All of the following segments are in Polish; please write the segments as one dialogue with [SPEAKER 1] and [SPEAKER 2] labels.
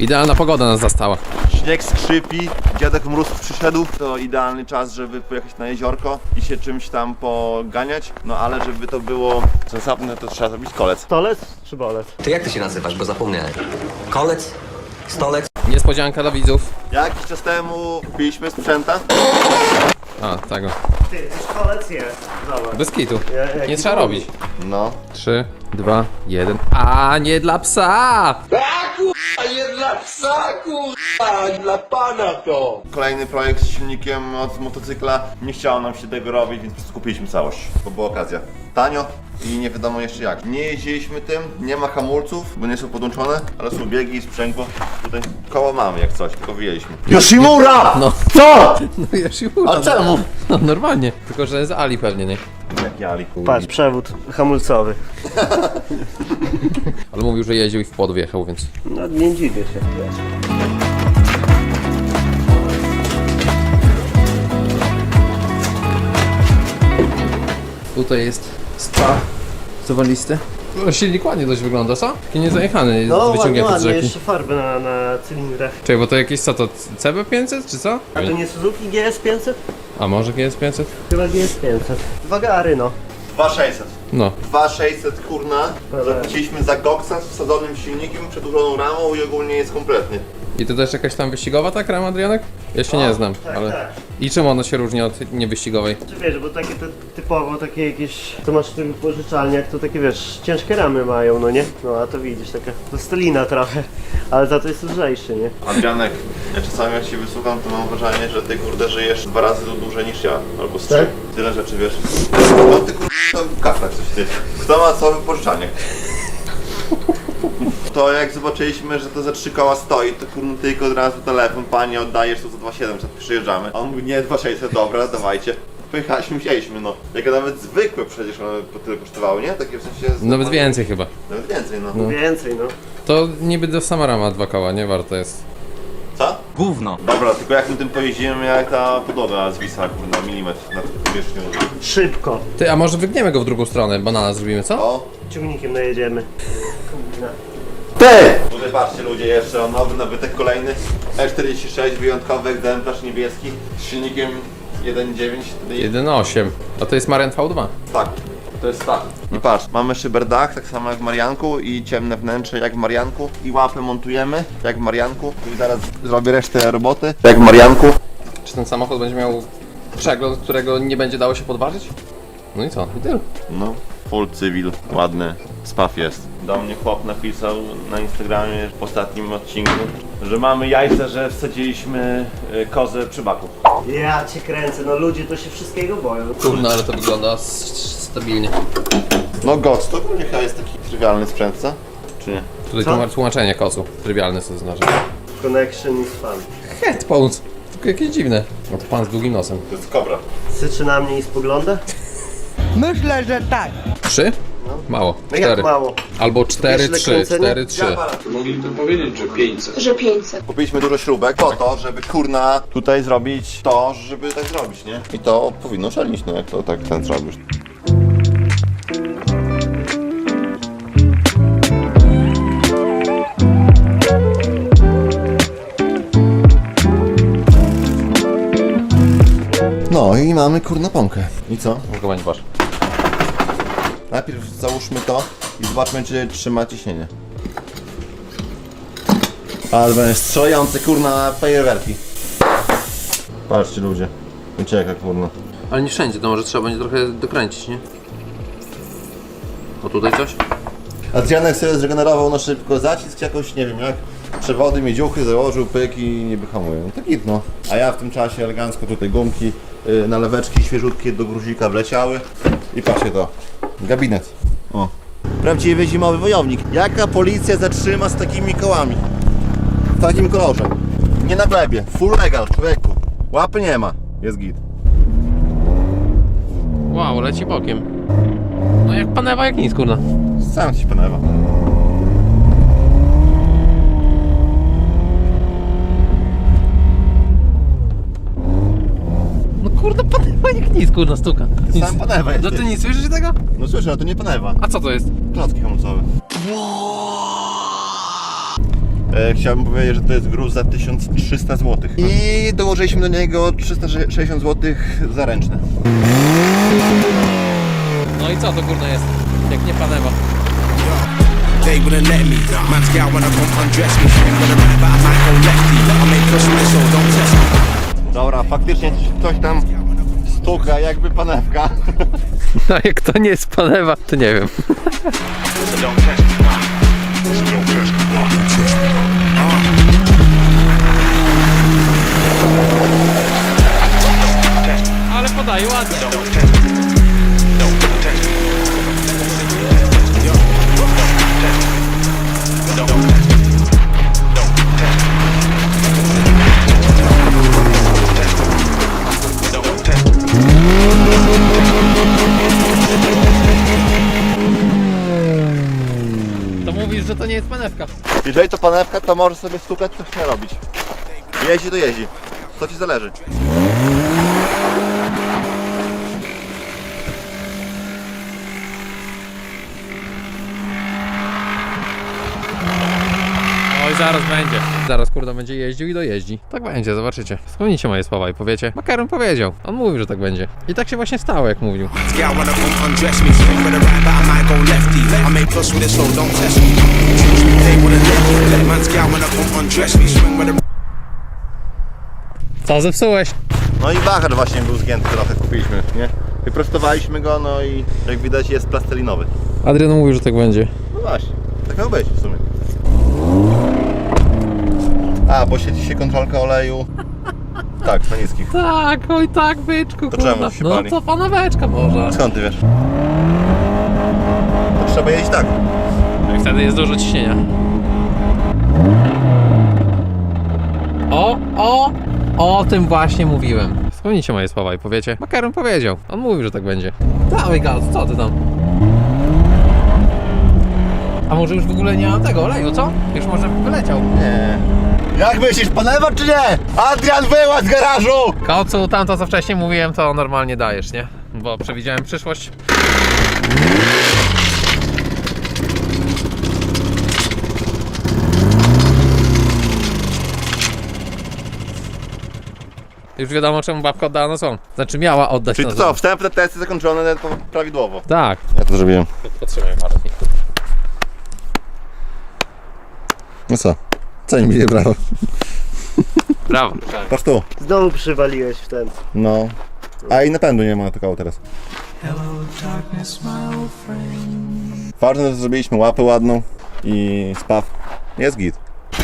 [SPEAKER 1] Idealna pogoda nas zastała.
[SPEAKER 2] Śnieg skrzypi, dziadek mróz przyszedł. To idealny czas, żeby pojechać na jeziorko i się czymś tam poganiać. No ale żeby to było sensowne, to trzeba zrobić kolec.
[SPEAKER 3] Stolec czy bolec?
[SPEAKER 4] Ty jak ty się nazywasz, bo zapomniałem. Kolec? Stolec?
[SPEAKER 1] Niespodzianka dla widzów.
[SPEAKER 2] Jakiś czas temu kupiliśmy sprzęta.
[SPEAKER 1] A, tego.
[SPEAKER 3] Ty, kolec jest. Zobacz.
[SPEAKER 1] Bez kitu.
[SPEAKER 3] Jak
[SPEAKER 1] Nie trzeba robić.
[SPEAKER 2] No.
[SPEAKER 1] 3, 2, 1. A nie dla psa!
[SPEAKER 2] Kolejny projekt z silnikiem od motocykla. Nie chciało nam się tego robić, więc skupiliśmy całość, bo była okazja. Tanio i nie wiadomo jeszcze jak. Nie jeździliśmy tym, nie ma hamulców, bo nie są podłączone, ale są biegi i sprzęgło. Tutaj koło mamy jak coś, tylko wyjęliśmy. Yoshimura!
[SPEAKER 1] No.
[SPEAKER 2] Co?
[SPEAKER 1] No Yoshimura.
[SPEAKER 2] A czemu?
[SPEAKER 1] No normalnie. Tylko, że z Ali pewnie, nie?
[SPEAKER 2] Jak Ali.
[SPEAKER 3] Patrz, przewód hamulcowy.
[SPEAKER 1] Ale mówił, że jeździł i w płot wjechał, więc...
[SPEAKER 3] No nie dziwię się.
[SPEAKER 1] Tutaj jest spa zawalisty. Silnik ładnie dość wygląda, co? Taki niezajechany,
[SPEAKER 3] No
[SPEAKER 1] wyciągnięty z
[SPEAKER 3] ładnie,
[SPEAKER 1] rzeki.
[SPEAKER 3] jeszcze farby na cylindrach.
[SPEAKER 1] Czekaj, bo to jakieś co to? CB500 czy co?
[SPEAKER 3] A to nie Suzuki GS500?
[SPEAKER 1] A może GS500?
[SPEAKER 3] Chyba GS500. Dwa gary, no.
[SPEAKER 2] 2600.
[SPEAKER 1] No.
[SPEAKER 2] 2600 kurna. Zapłaciliśmy za Goxa z wsadzonym silnikiem, przedłużoną ramą i ogólnie jest kompletny.
[SPEAKER 1] I to też jakaś tam wyścigowa ta krema, Adrianek? Ja się nie znam,
[SPEAKER 3] tak,
[SPEAKER 1] ale...
[SPEAKER 3] tak.
[SPEAKER 1] I czym ona się różni od niewyścigowej?
[SPEAKER 3] Czy wiesz, bo takie typowo takie jakieś, to masz w tym pożyczalniach, to takie wiesz, ciężkie ramy mają, no nie? No a to widzisz, taka plastelina trochę, ale za to jest lżejszy, nie?
[SPEAKER 2] Adrianek, ja czasami jak się wysłucham, to mam wrażenie, że ty kurde żyjesz 2 razy dłużej niż ja, albo z 3.
[SPEAKER 3] Tak?
[SPEAKER 2] Tyle rzeczy wiesz. No ty kurde, w kaflach coś ty. Kto ma co wypożyczalniach? To jak zobaczyliśmy, że to za 3 koła stoi, to kurde tylko od razu telefon, panie oddajesz to za 2700, przyjeżdżamy. A on mówi nie 2600, dobra, dawajcie. Pojechaliśmy, wzięliśmy no. Jak nawet zwykłe przecież one po tyle kosztowały, nie? Takie w sensie...
[SPEAKER 1] Nawet więcej chyba.
[SPEAKER 2] Nawet więcej no.
[SPEAKER 3] Więcej, no.
[SPEAKER 1] To niby do sama rama 2 koła, nie? Warto jest.
[SPEAKER 2] Co?
[SPEAKER 4] Gówno.
[SPEAKER 2] Dobra, tylko jak my tym pojeździmy, jak ta podłoga zwisa kurde na milimetr nad powierzchnią.
[SPEAKER 3] Szybko.
[SPEAKER 1] Ty, a może wygniemy go w drugą stronę, banana zrobimy, co?
[SPEAKER 2] O!
[SPEAKER 3] Ciągnikiem najedziemy.
[SPEAKER 2] Ty! Tutaj patrzcie ludzie, jeszcze nowy nabytek kolejny E46, wyjątkowy egzemplarz niebieski z silnikiem 1.9
[SPEAKER 1] 1.8. A to jest Marian V2.
[SPEAKER 2] Tak, to jest tak. I patrz, mamy szyberdach, tak samo jak w Marianku i ciemne wnętrze jak w Marianku i łapę montujemy jak w Marianku i zaraz zrobię resztę roboty jak w Marianku.
[SPEAKER 1] Czy ten samochód będzie miał przegląd, którego nie będzie dało się podważyć? No i co? I tyle.
[SPEAKER 2] No, full cywil, ładny, spaw jest. Do mnie chłop napisał na Instagramie w ostatnim odcinku, że mamy jajce, że wsadziliśmy kozę przy baku.
[SPEAKER 3] Ja cię kręcę, no ludzie to się wszystkiego boją.
[SPEAKER 1] Kurno, ale to wygląda stabilnie.
[SPEAKER 2] No Gox to ogólnie chyba jest taki trywialny sprzęt, co? Czy nie?
[SPEAKER 1] Tutaj
[SPEAKER 3] Co?
[SPEAKER 1] tłumaczenie kocu. Trywialne co to znaczy.
[SPEAKER 3] Connection is fun.
[SPEAKER 1] Headphones. Tylko jakieś dziwne. No to pan z długim nosem.
[SPEAKER 2] To jest kobra.
[SPEAKER 3] Syczy na mnie i spogląda?
[SPEAKER 1] 3? Mało.
[SPEAKER 3] No jak
[SPEAKER 1] 4.
[SPEAKER 3] mało?
[SPEAKER 1] Albo 4,
[SPEAKER 3] Wiesz,
[SPEAKER 1] 3,
[SPEAKER 3] ile kręcenia?
[SPEAKER 1] 4, 3.
[SPEAKER 5] Mogli to powiedzieć, że 500.
[SPEAKER 6] Że 500.
[SPEAKER 2] Kupiliśmy dużo śrubek po to, żeby kurna tutaj zrobić to, żeby tak zrobić, nie? I to powinno szalnić, no jak to tak ten zrobisz. No i mamy kurna pąkę. I co?
[SPEAKER 1] Mogę wasz.
[SPEAKER 2] Najpierw załóżmy to i zobaczmy, czy trzyma ciśnienie. Ale będzie strzelające kurna fajerwerki. Patrzcie ludzie, ucieka kurna.
[SPEAKER 1] Ale nie wszędzie, to może trzeba będzie trochę dokręcić, nie? O tutaj coś?
[SPEAKER 2] Adrianek sobie zregenerował na szybko zacisk jakoś, nie wiem jak, przewody, miedziuchy, założył pyk i niby hamuje. No to git no. A ja w tym czasie elegancko tutaj gumki, naleweczki świeżutkie do gruzika wleciały. I patrzcie to, gabinet. O. Prawdziwy zimowy wojownik. Jaka policja zatrzyma z takimi kołami? W takim kolorze. Nie na glebie, full legal, człowieku. Łapy nie ma, jest git.
[SPEAKER 1] Wow, leci bokiem. No jak panewa, jak nic, kurna.
[SPEAKER 2] Sam ci panewa.
[SPEAKER 1] No kurde, panewa jak nic, kurna, stuka. Nic.
[SPEAKER 2] Sam panewa jest.
[SPEAKER 1] No ty nie słyszysz tego?
[SPEAKER 2] No słyszę, ale to nie panewa.
[SPEAKER 1] A co to jest?
[SPEAKER 2] Klocki hamulcowe. Chciałbym powiedzieć, że to jest gruz za 1300 zł. I dołożyliśmy do niego 360 zł za ręczne.
[SPEAKER 1] No i co to kurde jest? Jak nie panewa.
[SPEAKER 6] They wouldn't let me. Man's gal wanna come undress me. Swing with a right, but I might go lefty. I make push with it, so don't test me.
[SPEAKER 2] Dobra, faktycznie coś tam stuka, jakby panewka.
[SPEAKER 1] No jak to nie jest panewa, to nie wiem.
[SPEAKER 6] So don't test me. So don't test me.
[SPEAKER 1] Ale podaje ładnie.
[SPEAKER 6] Don't test me. Don't test me. Yo. Don't test me. Don't test me. Don't test me. Don't test me.
[SPEAKER 1] To mówisz, że to nie jest panewka.
[SPEAKER 2] Jeżeli to panewka, to możesz sobie stukać, co chce robić. Jeździ to jeździ. Co ci zależy?
[SPEAKER 1] Oj, zaraz będzie. Zaraz kurde będzie jeździł i dojeździ. Tak będzie, zobaczycie. Wspomnijcie moje słowa i powiecie. Makaron powiedział. On mówił, że tak będzie. I tak się właśnie stało, jak mówił.
[SPEAKER 6] Man's gal wanna come undress me. Swing with a right, but I might go lefty. I make push with it, so don't test me. They wouldn't let me. Man's gal wanna come undress me. Swing with a
[SPEAKER 1] Co zepsułeś?
[SPEAKER 2] No i wahacz właśnie był zgięty, trochę kupiliśmy, nie? Wyprostowaliśmy go, no i jak widać jest plastelinowy.
[SPEAKER 1] Adrian mówił, że tak będzie.
[SPEAKER 2] No właśnie, tak miał być w sumie. A, bo siedzi się kontrolka oleju. Tak, na niskich.
[SPEAKER 1] Tak, oj tak, byczku,
[SPEAKER 2] To czemu się
[SPEAKER 1] No
[SPEAKER 2] pali?
[SPEAKER 1] to paneweczka może.
[SPEAKER 2] Skąd ty wiesz? To trzeba jeździć tak.
[SPEAKER 1] I wtedy jest dużo ciśnienia. O tym właśnie mówiłem. Wspomnijcie moje słowa i powiecie. Makaron powiedział. On mówił, że tak będzie. Dawaj gaz, co ty tam? A może już w ogóle nie ma tego oleju, co? Już może wyleciał.
[SPEAKER 2] Nie. Jak myślisz, panewa czy nie? Adrian, wyłaz z garażu!
[SPEAKER 1] Kocu, tamto co wcześniej mówiłem, to normalnie dajesz, nie? Bo przewidziałem przyszłość. Już wiadomo, czemu babka oddała na słom. Znaczy miała oddać
[SPEAKER 2] Czyli
[SPEAKER 1] na
[SPEAKER 2] to co,
[SPEAKER 1] słom.
[SPEAKER 2] wstępne testy zakończone prawidłowo.
[SPEAKER 1] Tak.
[SPEAKER 2] Ja to zrobiłem.
[SPEAKER 1] Potrzebuję marki.
[SPEAKER 2] No co? Ceń mi nie brawo.
[SPEAKER 1] Brawo.
[SPEAKER 2] Patrz tu.
[SPEAKER 3] Znowu przywaliłeś w ten.
[SPEAKER 2] No. A i napędu nie ma tylko teraz. Ważne, że zrobiliśmy łapę ładną i spaw. Jest git.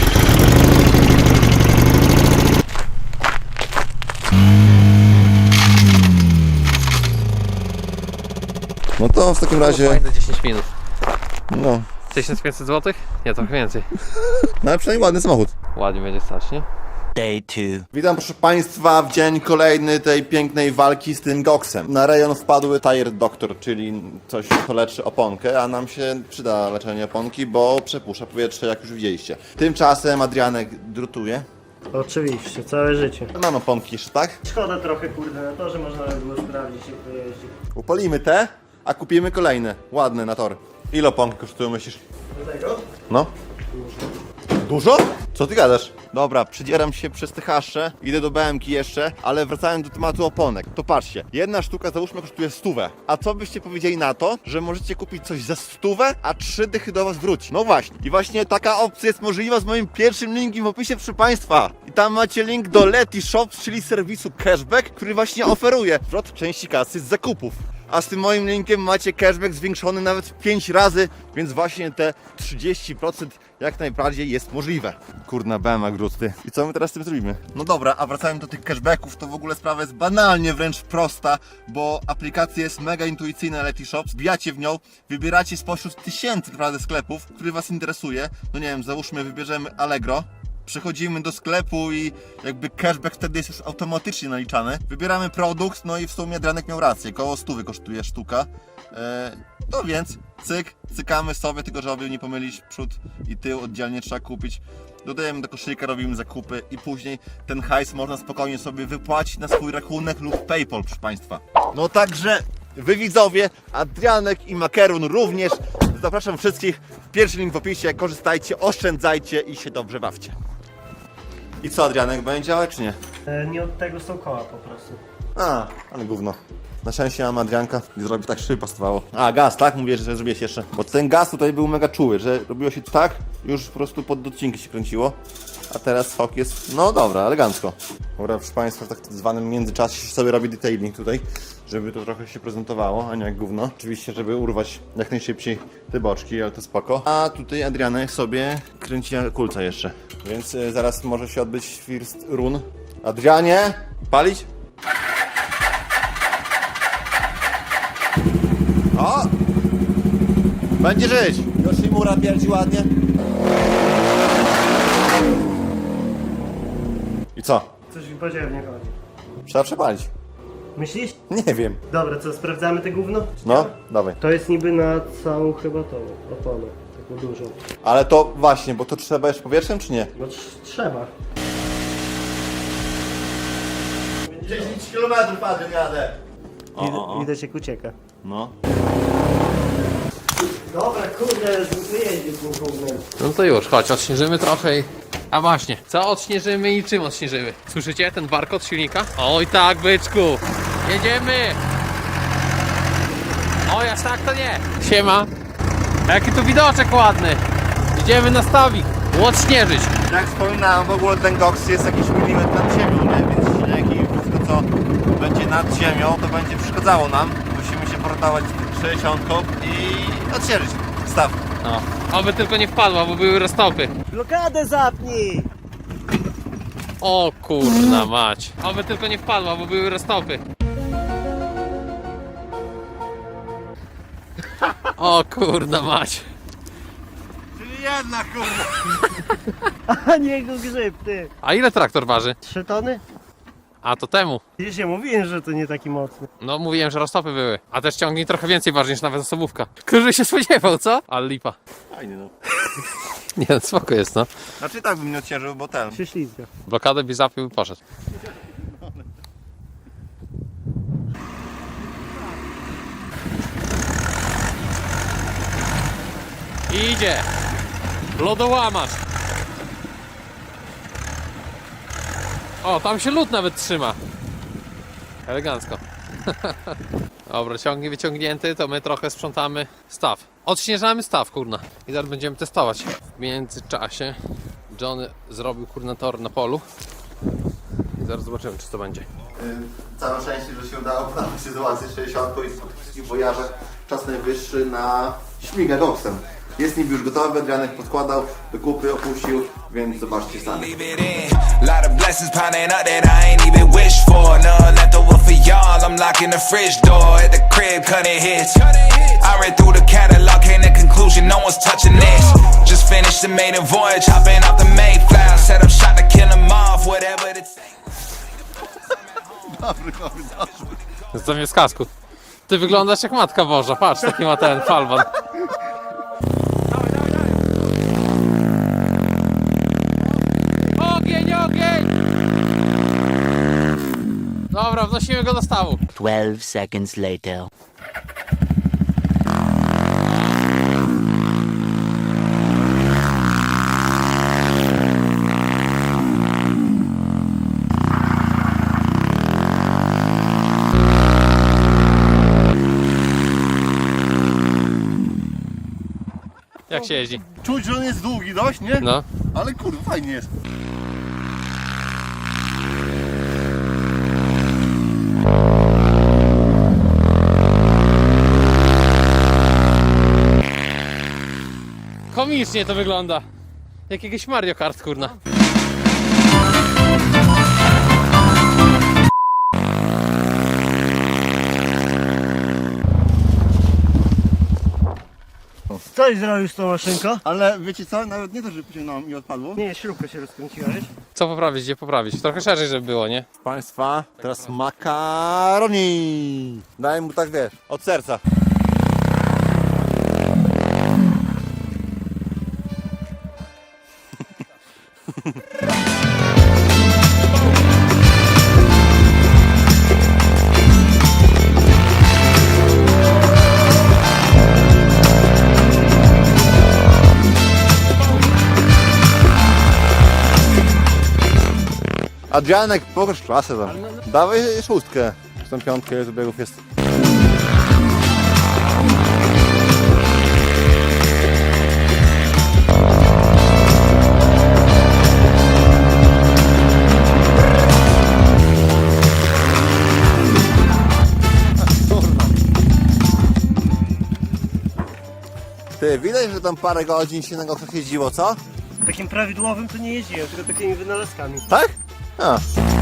[SPEAKER 2] No to w takim razie,
[SPEAKER 1] Fajne 10 minut.
[SPEAKER 2] no,
[SPEAKER 1] 1500 zł? Nie, trochę więcej.
[SPEAKER 2] no ale przynajmniej ładny samochód.
[SPEAKER 1] Ładnie będzie stać, nie?
[SPEAKER 4] Day 2.
[SPEAKER 2] Witam proszę Państwa w dzień kolejny tej pięknej walki z tym goksem. Na rejon wpadły Tire Doctor, czyli coś, co leczy oponkę, a nam się przyda leczenie oponki, bo przepusza powietrze, jak już widzieliście. Tymczasem Adrianek drutuje.
[SPEAKER 3] Oczywiście, całe życie.
[SPEAKER 2] Mam oponki jeszcze, tak?
[SPEAKER 3] Szkoda trochę kurde na to, że można by było sprawdzić jak to jeździ.
[SPEAKER 2] Upalimy te, a kupimy kolejne, ładne na tor. Ile oponki kosztują, myślisz?
[SPEAKER 3] Do tego?
[SPEAKER 2] No. Dużo? Co ty gadasz? Dobra, przydzieram się przez te hasze, idę do BM-ki jeszcze, ale wracając do tematu oponek, to patrzcie, jedna sztuka załóżmy kosztuje 100. A co byście powiedzieli na to, że możecie kupić coś za 100, a 3 dychy do was wróci? No właśnie. I właśnie taka opcja jest możliwa z moim pierwszym linkiem w opisie, proszę Państwa. I tam macie link do Leti Shops, czyli serwisu cashback, który właśnie oferuje zwrot części kasy z zakupów. A z tym moim linkiem macie cashback zwiększony nawet 5 razy, więc właśnie te 30% jak najbardziej jest możliwe. Kurna bema grusty. I co my teraz z tym zrobimy? No dobra, a wracając do tych cashbacków, to w ogóle sprawa jest banalnie wręcz prosta, bo aplikacja jest mega intuicyjna Leti Shops, wbijacie w nią, wybieracie spośród tysięcy naprawdę sklepów, który was interesuje. No nie wiem, załóżmy wybierzemy Allegro. Przechodzimy do sklepu i jakby cashback wtedy jest już automatycznie naliczany. Wybieramy produkt, no i w sumie Adrianek miał rację, koło 100 kosztuje sztuka. No więc cyk, cykamy sobie, tylko żeby nie pomylić przód i tył, oddzielnie trzeba kupić. Dodajemy do koszyka, robimy zakupy i później ten hajs można spokojnie sobie wypłacić na swój rachunek lub PayPal, proszę Państwa. No także wy widzowie, Adrianek i Makaron również Zapraszam wszystkich. Pierwszy link w opisie. Korzystajcie, oszczędzajcie i się dobrze bawcie. I co, Adrianek, będzie działać czy nie?
[SPEAKER 3] Nie od tego są koła po prostu.
[SPEAKER 2] A, ale gówno. Na szczęście mam Adrianka i zrobi tak, żeby pasowało. A, gaz, tak? Mówię, że zrobiłeś jeszcze. Bo ten gaz tutaj był mega czuły, że robiło się tak, już po prostu pod docinki się kręciło. A teraz fok jest, no dobra, elegancko. Dobra, proszę Państwa, w tak zwanym międzyczasie sobie robi detailing tutaj, żeby to trochę się prezentowało, a nie jak gówno. Oczywiście, żeby urwać jak najszybciej te boczki, ale to spoko. A tutaj Adrianek sobie kręci kulca jeszcze. Więc zaraz może się odbyć first run. Adrianie, palić? O! Będzie żyć! Yoshimura pierdzi ładnie. I co?
[SPEAKER 3] Coś mi podzielnie chodzi.
[SPEAKER 2] Trzeba przepalić.
[SPEAKER 3] Myślisz?
[SPEAKER 2] Nie wiem.
[SPEAKER 3] Dobra, co, sprawdzamy te gówno?
[SPEAKER 2] No, dawaj.
[SPEAKER 3] To jest niby na całą chyba tą oponę, taką dużą.
[SPEAKER 2] Ale to właśnie, bo to trzeba jeszcze powietrzem, czy nie?
[SPEAKER 3] No trzeba.
[SPEAKER 2] 10 km padłem, jadę.
[SPEAKER 3] Widać jak ucieka.
[SPEAKER 2] No.
[SPEAKER 3] Dobra, kurde, wyjeździł tym gównem.
[SPEAKER 1] No to już, chodź, odśnieżymy trochę i... A właśnie, co odśnieżymy i czym odśnieżymy? Słyszycie ten warkot silnika? Oj tak, byczku! Jedziemy! O, jak tak to nie! Siema! Jaki tu widoczek ładny! Idziemy na stawik, odśnieżyć!
[SPEAKER 2] Jak wspominałem, w ogóle ten koks jest jakiś milimetr nad ziemią, nie? Więc śnieg i wszystko co będzie nad ziemią, to będzie przeszkadzało nam. Musimy się portować z 60 i odśnieżyć staw.
[SPEAKER 1] No, oby tylko nie wpadła, bo były roztopy.
[SPEAKER 3] Blokadę zapnij!
[SPEAKER 1] O kurna mać. Oby tylko nie wpadła, bo były roztopy. O kurna mać.
[SPEAKER 2] Czyli jedna kurwa.
[SPEAKER 3] A nie go grzyb, ty!
[SPEAKER 1] A ile traktor waży?
[SPEAKER 3] 3 tony?
[SPEAKER 1] A to temu.
[SPEAKER 3] Widzisz, ja mówiłem, że to nie taki mocny.
[SPEAKER 1] No mówiłem, że roztopy były. A też ciągnik trochę więcej waży niż nawet osobówka. Który się spodziewał, co? Ale lipa.
[SPEAKER 2] Fajnie no.
[SPEAKER 1] Nie, no, spoko jest, no.
[SPEAKER 2] Znaczy tak bym nie odciężył, bo ten.
[SPEAKER 3] Się ślizga.
[SPEAKER 1] Blokadę by zapił i poszedł. Idzie! Lodołamacz! O, tam się lód nawet trzyma. Elegancko. Dobra, ciągnik wyciągnięty, to my trochę sprzątamy staw. Odśnieżamy staw, kurna. I zaraz będziemy testować. W międzyczasie Johnny zrobił kurna tor na polu. I zaraz zobaczymy, czy to będzie.
[SPEAKER 2] Całe szczęście, że się udało poprawić sytuację 60 i po tych wszystkich wojażach czas najwyższy na śmigę koksem. Jest niby już gotowy, Adrianek podkładał, do kupy opuścił, więc zobaczcie sami.
[SPEAKER 7] Leave it in. Lot of blessings piling up that I ain't even wish for. None left over for y'all. I'm locking the fridge door at the crib, cutting hits. I read through the catalog, came to conclusion, no one's touching this. Just finished the maiden voyage, hopping off the Mayflower. Set up shot to kill them off, whatever it takes.
[SPEAKER 1] Zamiast kasku. Ty wyglądasz jak Matka Boża, patrz, taki ma ten falban. Ogień, ogień! Dobra, wnosimy go do stawu.
[SPEAKER 8] 12 seconds later.
[SPEAKER 1] Jak się jeździ?
[SPEAKER 2] Czuć, że on jest długi dość, nie?
[SPEAKER 1] No.
[SPEAKER 2] Ale kurwa, fajnie jest.
[SPEAKER 1] Komicznie to wygląda. Jak jakiś Mario Kart, kurna.
[SPEAKER 3] Coś zrobił z tą maszynką?
[SPEAKER 2] Ale wiecie co, nawet nie to, że pociągnąłem i odpadło.
[SPEAKER 3] Nie, śrubka się rozkręciła, wiesz?
[SPEAKER 1] Co poprawić, gdzie poprawić? Trochę szerzej, żeby było, nie?
[SPEAKER 2] Państwa, teraz makaroni. Daj mu tak, wiesz, od serca. Adrianek, pokaż klasę tam. Dawaj 6. Z tą 5 ile tu biegów jest. Ty, widać, że tam parę godzin się na gokach jeździło, co?
[SPEAKER 3] Takim prawidłowym to nie jeździłem, tylko takimi wynalazkami.
[SPEAKER 2] Tak? A.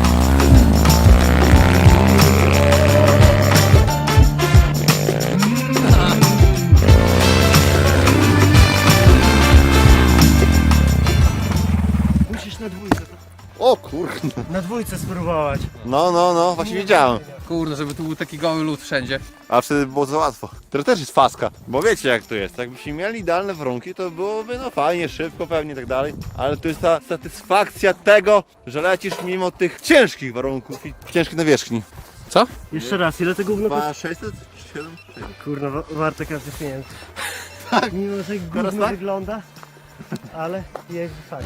[SPEAKER 3] Musisz na dwójce,
[SPEAKER 2] O kurde.
[SPEAKER 3] na dwójce spróbować.
[SPEAKER 2] No, właśnie widziałem.
[SPEAKER 1] Kurde, żeby tu był taki goły lód wszędzie.
[SPEAKER 2] A wtedy było za łatwo. To też jest faska, bo wiecie jak to jest. Jakbyśmy mieli idealne warunki, to byłoby no fajnie, szybko pewnie i tak dalej. Ale to jest ta satysfakcja tego, że lecisz mimo tych ciężkich warunków i ciężkiej nawierzchni.
[SPEAKER 1] Co?
[SPEAKER 3] Jeszcze raz, ile tego gówno kosztuje?
[SPEAKER 2] 600? 7?
[SPEAKER 3] Kurna, warto każdy pieniędzy. Tak. Mimo, że
[SPEAKER 2] Teraz
[SPEAKER 3] gówno
[SPEAKER 2] tak?
[SPEAKER 3] wygląda, ale jest fakt.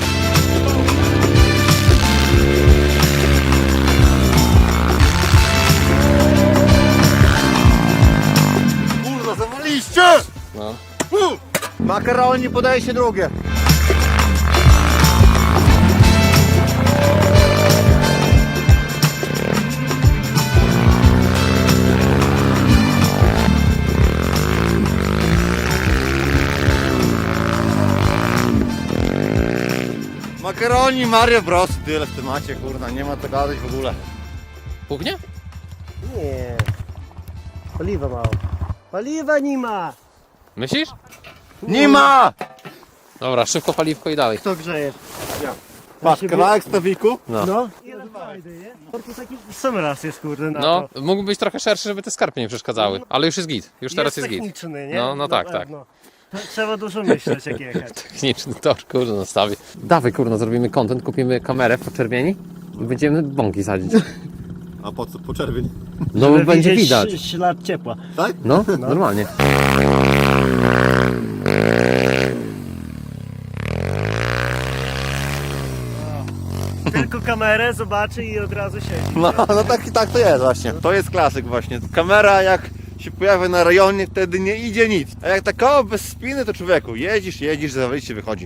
[SPEAKER 2] Kurwa, zawaliście!
[SPEAKER 1] No.
[SPEAKER 2] Makaroni podaje się drugie. Makaroni Mario Bros. Tyle w temacie, kurna, nie ma co gadać w ogóle.
[SPEAKER 1] Puchnie?
[SPEAKER 3] Nie. Paliwa mało. Paliwa nie ma!
[SPEAKER 1] Myślisz?
[SPEAKER 2] Nie ma!
[SPEAKER 1] Dobra, szybko paliwko i dalej.
[SPEAKER 3] Kto grzeje?
[SPEAKER 2] Patrz, kawałek stawiku.
[SPEAKER 3] No. Ile fajny, nie? To taki sam raz jest, kurde, na
[SPEAKER 1] No,
[SPEAKER 3] to.
[SPEAKER 1] mógłby być trochę szerszy, żeby te skarpy nie przeszkadzały. Ale już jest git. Już teraz jest git.
[SPEAKER 3] techniczny, nie?
[SPEAKER 1] No, no tak,
[SPEAKER 3] Na
[SPEAKER 1] tak.
[SPEAKER 3] pewno. To trzeba dużo myśleć, jak jechać.
[SPEAKER 1] Techniczny tor, kurde, na stawie. Dawaj, kurde, zrobimy content, kupimy kamerę po czerwieni i będziemy bąki sadzić.
[SPEAKER 2] A po co? Po czerwień.
[SPEAKER 1] No,
[SPEAKER 3] Żeby
[SPEAKER 1] będzie
[SPEAKER 3] widzieć
[SPEAKER 1] widać.
[SPEAKER 3] ślad ciepła.
[SPEAKER 2] Tak?
[SPEAKER 1] No, normalnie.
[SPEAKER 3] Tylko kamerę zobaczy i od razu siedzi.
[SPEAKER 2] No tak to jest właśnie. To jest klasyk właśnie. Kamera jak się pojawia na rejonie, wtedy nie idzie nic. A jak taka bez spiny, to człowieku, jedzisz, za wyjście wychodzi.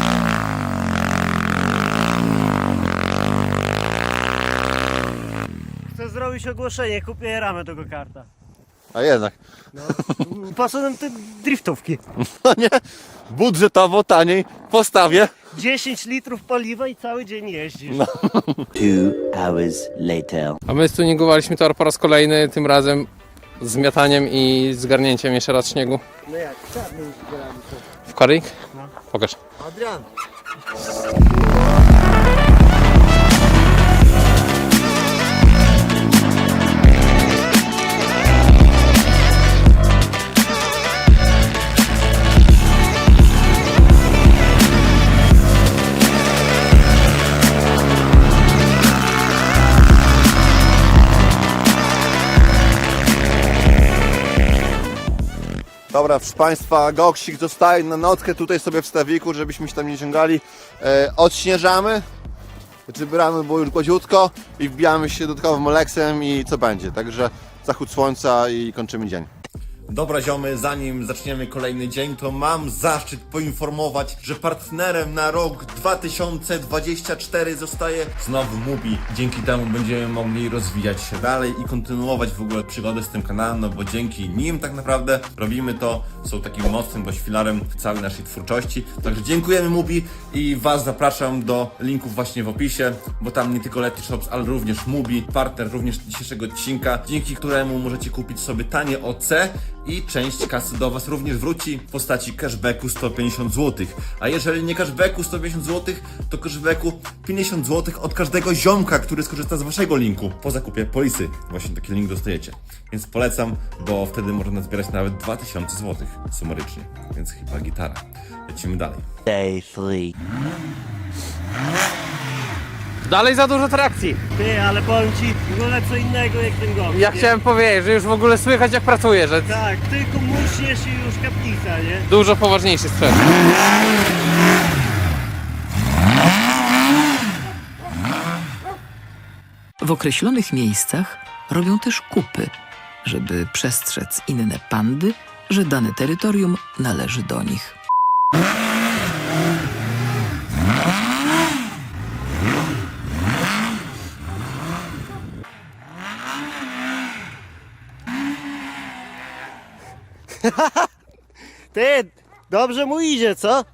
[SPEAKER 3] Chcę zrobić ogłoszenie, kupię ramę tego karta.
[SPEAKER 2] A jednak.
[SPEAKER 3] Po co nam te driftówki?
[SPEAKER 2] No nie, budżetowo taniej postawię.
[SPEAKER 3] 10 litrów paliwa i cały dzień jeździsz.
[SPEAKER 8] 2 hours later.
[SPEAKER 1] A my stuningowaliśmy tor po raz kolejny, tym razem zmiataniem i zgarnięciem jeszcze raz śniegu.
[SPEAKER 3] No jak? Czarny już zbieramy to.
[SPEAKER 1] W koryk? Pokaż.
[SPEAKER 2] Adrian. Dobra, proszę Państwa, goksik zostaje na nockę tutaj sobie w stawiku, żebyśmy się tam nie ciągali. Odśnieżamy, bramy było już gładziutko i wbijamy się dodatkowym oleksem i co będzie. Także zachód słońca i kończymy dzień. Dobra ziomy, zanim zaczniemy kolejny dzień, to mam zaszczyt poinformować, że partnerem na rok 2024 zostaje znowu Mubi. Dzięki temu będziemy mogli rozwijać się dalej i kontynuować w ogóle przygodę z tym kanałem, no bo dzięki nim tak naprawdę robimy to, są takim mocnym dość filarem całej naszej twórczości. Także dziękujemy Mubi i Was zapraszam do linków właśnie w opisie, bo tam nie tylko Letty Shops, ale również Mubi, partner również dzisiejszego odcinka, dzięki któremu możecie kupić sobie tanie OC i część kasy do Was również wróci w postaci cashbacku 150 zł. A jeżeli nie cashbacku 150 zł, to cashbacku 50 zł od każdego ziomka, który skorzysta z Waszego linku po zakupie polisy. Właśnie taki link dostajecie. Więc polecam, bo wtedy można zbierać nawet 2000 zł sumarycznie. Więc chyba gitara. Lecimy dalej.
[SPEAKER 8] Day 3.
[SPEAKER 1] Dalej za dużo trakcji.
[SPEAKER 3] Ty, ale powiem Ci w ogóle co innego jak ten gość.
[SPEAKER 1] Ja
[SPEAKER 3] nie?
[SPEAKER 1] chciałem powiedzieć, że już w ogóle słychać jak pracuję, że
[SPEAKER 3] Tak, tylko musisz i już kaplica, nie?
[SPEAKER 1] dużo poważniejszy sprzęt.
[SPEAKER 9] W określonych miejscach robią też kupy, żeby przestrzec inne pandy, że dane terytorium należy do nich.
[SPEAKER 3] Ty, dobrze mu idzie, co?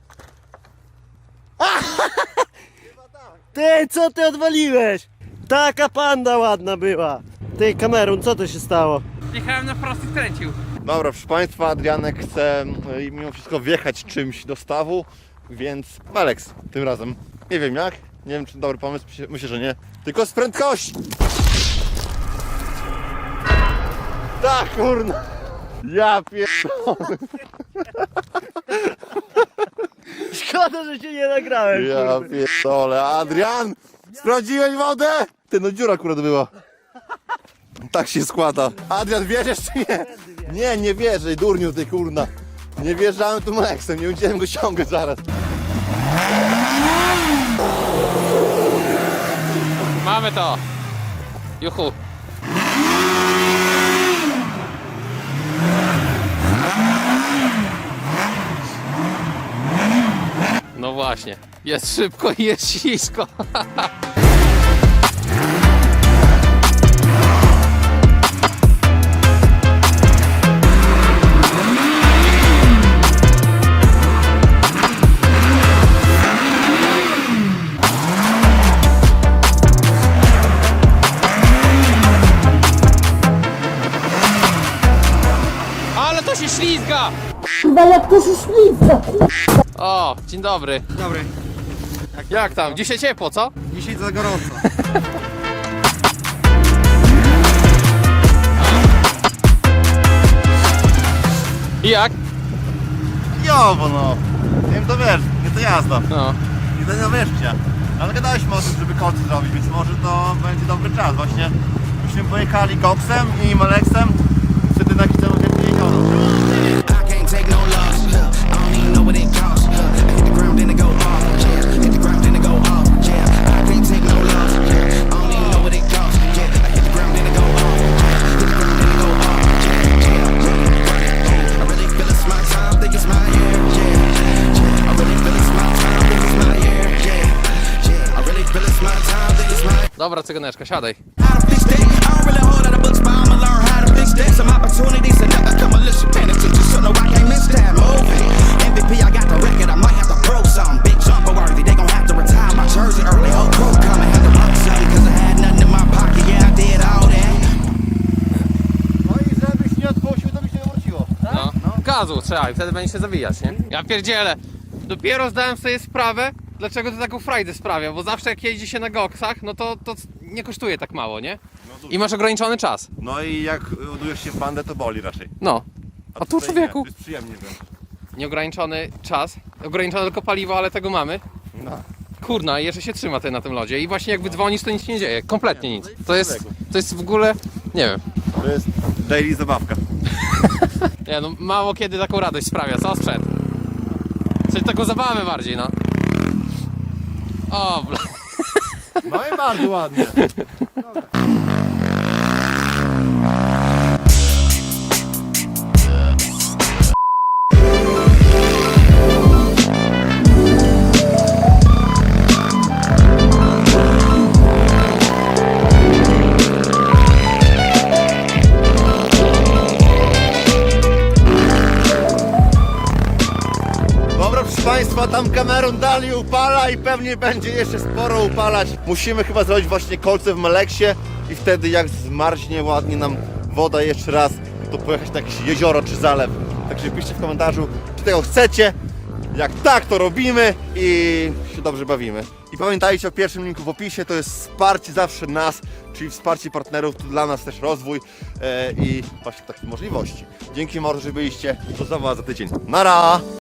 [SPEAKER 3] Ty, co ty odwaliłeś? Taka panda ładna była. Ty, Kamerun, co to się stało?
[SPEAKER 1] Jechałem na prosty, kręcił.
[SPEAKER 2] Dobra, proszę Państwa, Adrianek chce mimo wszystko wjechać czymś do stawu, więc Alex tym razem. Nie wiem jak, nie wiem czy dobry pomysł, myślę, że nie. Tylko z prędkości! Tak, kurna! Ja pierdolę!
[SPEAKER 3] Szkoda, że się nie nagrałem.
[SPEAKER 2] Ja
[SPEAKER 3] kurde.
[SPEAKER 2] pierdolę, Adrian! Sprawdziłeś wodę? Ty, no dziura akurat była. Tak się składa. Adrian, wierzysz czy nie? Nie, nie wierzę, durniu ty kurna. Nie wjeżdżałem tu Maxem, nie będziemy go ściągać zaraz.
[SPEAKER 1] Mamy to. Juhu. No właśnie. Jest szybko i jest ślisko. Ale to się ślizga! O, dzień dobry.
[SPEAKER 3] Dobry.
[SPEAKER 1] Jak tam? Dzisiaj ciepło, co?
[SPEAKER 3] Dzisiaj za gorąco.
[SPEAKER 1] I jak?
[SPEAKER 2] Jo, bo no. Nie wiem, to wiesz, nie to jazda.
[SPEAKER 1] No.
[SPEAKER 2] Nie to nie wierzcie. Ale gadaliśmy o tym, żeby kolce zrobić, więc może to będzie dobry czas właśnie. Myśmy pojechali Goksem i Malexem, wtedy na kitę nie jeździono.
[SPEAKER 7] I can't take no loss. I don't even know what it costs. I hit the ground, then it go off. Yeah, hit the ground, then it go off. Yeah, I can't take no loss. I don't even know what it costs. Yeah, I hit the ground, then it go off. Hit the ground, then it go off. Yeah, I really feel it's my time, think it's my year. Yeah, I really feel it's my time, think it's my year. Yeah, I really feel it's my time, think it's my.
[SPEAKER 1] Dobra, cyganeczka, siadaj.
[SPEAKER 7] How to fix that? I don't really hold out the books, but I'ma learn how to fix that. Some opportunities that never come unless you pay attention. So no, I can't miss that movie. MVP, I got the record, I might have to prove something. Big jumper worthy, they gon' have to retire my jersey early. Whole crew coming, had to run something, cause I had nothing in my pocket. Yeah, I did all that.
[SPEAKER 2] No i żebyś nie odpuścił, to by się nie wróciło.
[SPEAKER 1] No. Gazu trzeba i wtedy będzie się zawijać, nie? Ja pierdzielę. Dopiero zdałem sobie sprawę, dlaczego to taką frajdę sprawia, bo zawsze jak jeździ się na goksach, no to nie kosztuje tak mało, nie? I masz ograniczony czas.
[SPEAKER 2] No i jak ładujesz się w bandę, to boli raczej.
[SPEAKER 1] No. A tu
[SPEAKER 2] tutaj
[SPEAKER 1] człowieku.
[SPEAKER 2] nie, to jest przyjemnie wręcz.
[SPEAKER 1] Nieograniczony czas, ograniczone tylko paliwo, ale tego mamy.
[SPEAKER 2] No.
[SPEAKER 1] Kurna, i jeszcze się trzyma ty na tym lodzie i właśnie jak wydzwonisz, to nic się nie dzieje, kompletnie nic. To jest w ogóle, nie wiem.
[SPEAKER 2] To jest daily zabawka.
[SPEAKER 1] Nie no, mało kiedy taką radość sprawia, co sprzęt? Coś taką zabawę bardziej, no. O, bla.
[SPEAKER 2] No i bardzo ładnie. Dobra, proszę Państwa, tam Cameron dalej upala i pewnie będzie jeszcze sporo upalać. Musimy chyba zrobić właśnie kolce w Meleksie i wtedy jak zmarznie ładnie nam woda jeszcze raz, to pojechać na jakieś jezioro czy zalew. Także piszcie w komentarzu, czy tego chcecie. Jak tak, to robimy i się dobrze bawimy. I pamiętajcie o pierwszym linku w opisie, to jest wsparcie zawsze nas, czyli wsparcie partnerów, to dla nas też rozwój i właśnie takich możliwości. Dzięki mordo, że byliście, do zobaczenia za tydzień. Nara!